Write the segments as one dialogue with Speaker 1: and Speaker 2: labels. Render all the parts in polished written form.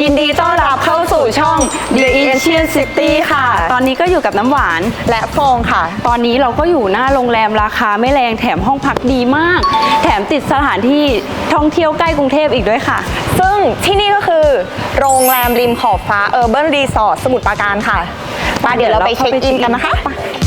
Speaker 1: ยินดีต้อนรับเข้าสู่ช่อง The Asian City ค่ะตอนนี้ก็อยู่กับน้ำหวาน
Speaker 2: และฟองค่ะ
Speaker 1: ตอนนี้เราก็อยู่หน้าโรงแรมราคาไม่แรงแถมห้องพักดีมากแถมติดสถานที่ท่องเที่ยวใกล้กรุงเทพอีกด้วยค่ะ
Speaker 2: ซึ่งที่นี่ก็คือโรงแรมริมขอบฟ้าUrban Resort สมุทรปราการค่ะเดี๋ยวเราไปเช็คอินกันนะคะ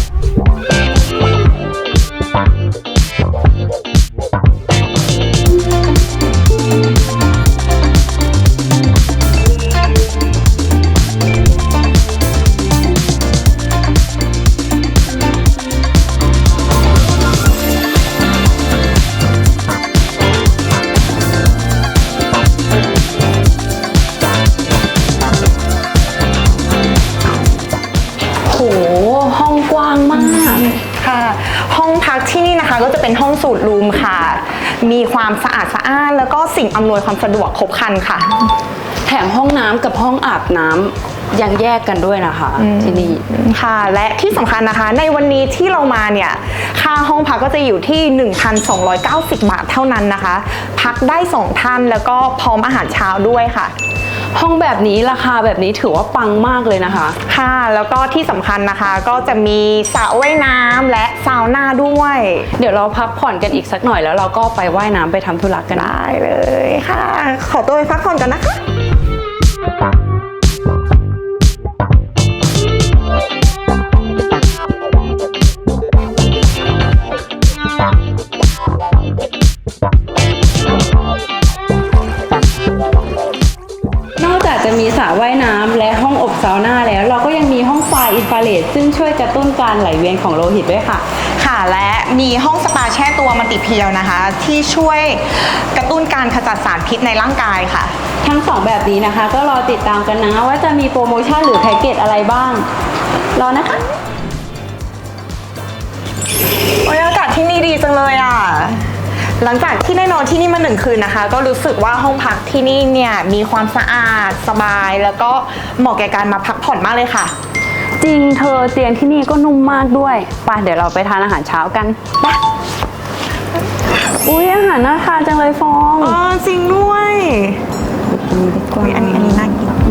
Speaker 1: ห้องกว้างมาก
Speaker 2: ค่ะห้องพักที่นี่นะคะก็จะเป็นห้องสูตรรูมค่ะมีความสะอาดสะอ้านแล้วก็สิ่งอำนวยความสะดวกครบครันค่ะ
Speaker 1: แถมห้องน้ำกับห้องอาบน้ำยังแยกกันด้วยนะคะที่นี่
Speaker 2: ค่ะและที่สำคัญนะคะในวันนี้ที่เรามาเนี่ยค่าห้องพักก็จะอยู่ที่ 1,290 บาทเท่านั้นนะคะพักได้2ท่านแล้วก็พร้อมอาหารเช้าด้วยค่ะ
Speaker 1: ห้องแบบนี้ราคาแบบนี้ถือว่าปังมากเลยนะคะ
Speaker 2: ค่ะแล้วก็ที่สำคัญนะคะก็จะมีสระว่ายน้ำและซาวน่าด้วย
Speaker 1: เดี๋ยวเราพักผ่อนกันอีกสักหน่อยแล้วเราก็ไปว่ายน้ำไปทำธุระกัน
Speaker 2: ได้เลยค่ะขอตัวไปพักผ่อนกันนะคะ
Speaker 1: จะมีสระว่ายน้ำและห้องอบซาวน่าแล้วเราก็ยังมีห้องไฟอินฟราเรดซึ่งช่วยกระตุ้นการไหลเวียนของโลหิตด้วยค่ะ
Speaker 2: ค่ะและมีห้องสปาแช่ตัวมัลติเพียวนะคะที่ช่วยกระตุ้นการขจัดสารพิษในร่างกายค่ะ
Speaker 1: ทั้ง2แบบนี้นะคะก็รอติดตามกันนะว่าจะมีโปรโมชั่นหรือแพ็กเกจอะไรบ้างรอนะคะ
Speaker 2: อากาศที่นี่ดีจังเลยอ่ะหลังจากที่ได้นอนที่นี่มา1 คืนนะคะก็รู้สึกว่าห้องพักที่นี่เนี่ยมีความสะอาดสบายแล้วก็เหมาะแก่การมาพักผ่อนมากเลยค่ะ
Speaker 1: จริงเธอเตียงที่นี่ก็นุ่มมากด้วยไปเดี๋ยวเราไปทานอาหารเช้ากันไปอุ๊ยอาหารน่าทานจังเลยฟอง
Speaker 2: จริงด้วย
Speaker 1: ดีกว่า
Speaker 2: อันนี้น่ากิน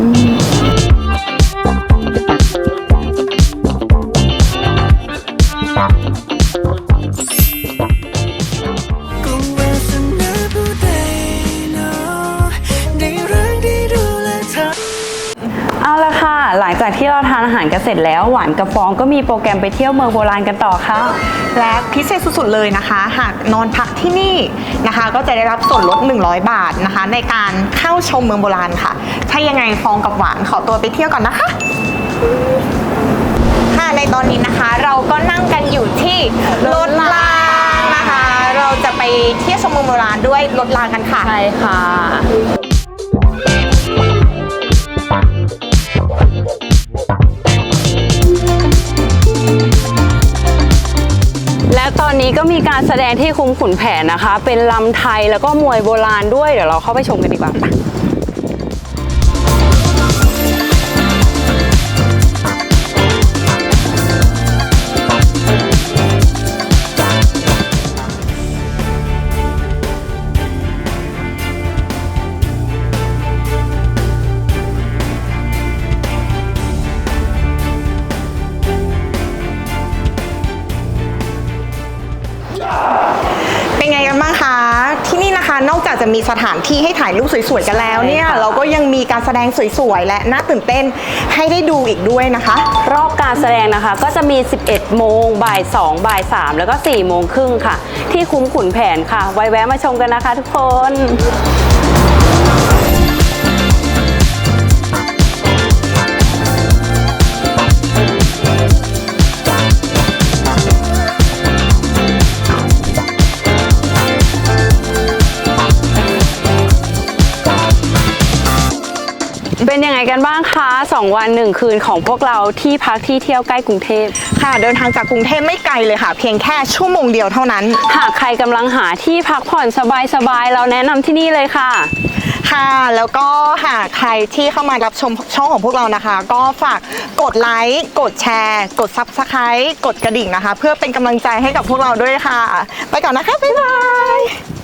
Speaker 1: เอาละค่ะหลังจากที่เราทานอาหารกันเสร็จแล้วหวานกับฟองก็มีโปรแกรมไปเที่ยวเมืองโบราณกันต่อค่ะ
Speaker 2: และพิเศษสุดๆเลยนะคะหากนอนพักที่นี่นะคะก็จะได้รับส่วนลด100 บาทนะคะในการเข้าชมเมืองโบราณค่ะถ้ายังไงฟองกับหวานขอตัวไปเที่ยวก่อนนะคะค่ะในตอนนี้นะคะเราก็นั่งกันอยู่ที่รถรางนะคะเราจะไปเที่ยวชมเมืองโบราณด้วยรถรางกันค่ะ
Speaker 1: ใช่ค่ะและตอนนี้ก็มีการแสดงที่คุ้มขุนแผนนะคะเป็นลำไทยแล้วก็มวยโบราณด้วยเดี๋ยวเราเข้าไปชมกันดีกว่า
Speaker 2: เป็นไงกันบ้างคะที่นี่นะคะนอกจากจะมีสถานที่ให้ถ่ายรูปสวยๆกันแล้วเนี่ยเราก็ยังมีการแสดงสวยๆและน่าตื่นเต้นให้ได้ดูอีกด้วยนะคะ
Speaker 1: รอบการแสดงนะคะก็จะมี11 โมงบ่าย 2บ่าย 3แล้วก็4 โมงครึ่งค่ะที่คุ้มขุนแผนค่ะไว้แวะมาชมกันนะคะทุกคนเป็นยังไงกันบ้างคะ2 วัน 1 คืนของพวกเราที่พักที่เที่ยวใกล้กรุงเทพ
Speaker 2: ค่ะเดินทางจากกรุงเทพไม่ไกลเลยค่ะเพียงแค่ชั่วโมงเดียวเท่านั้น
Speaker 1: หากใครกำลังหาที่พักผ่อนสบายๆเราแนะนำที่นี่เลยค่ะ
Speaker 2: ค่ะแล้วก็หากใครที่เข้ามารับชมช่องของพวกเรานะคะก็ฝากกดไลค์กดแชร์กด Subscribe กดกระดิ่งนะคะเพื่อเป็นกำลังใจให้กับพวกเราด้วยค่ะไปก่อนนะคะบ๊ายบาย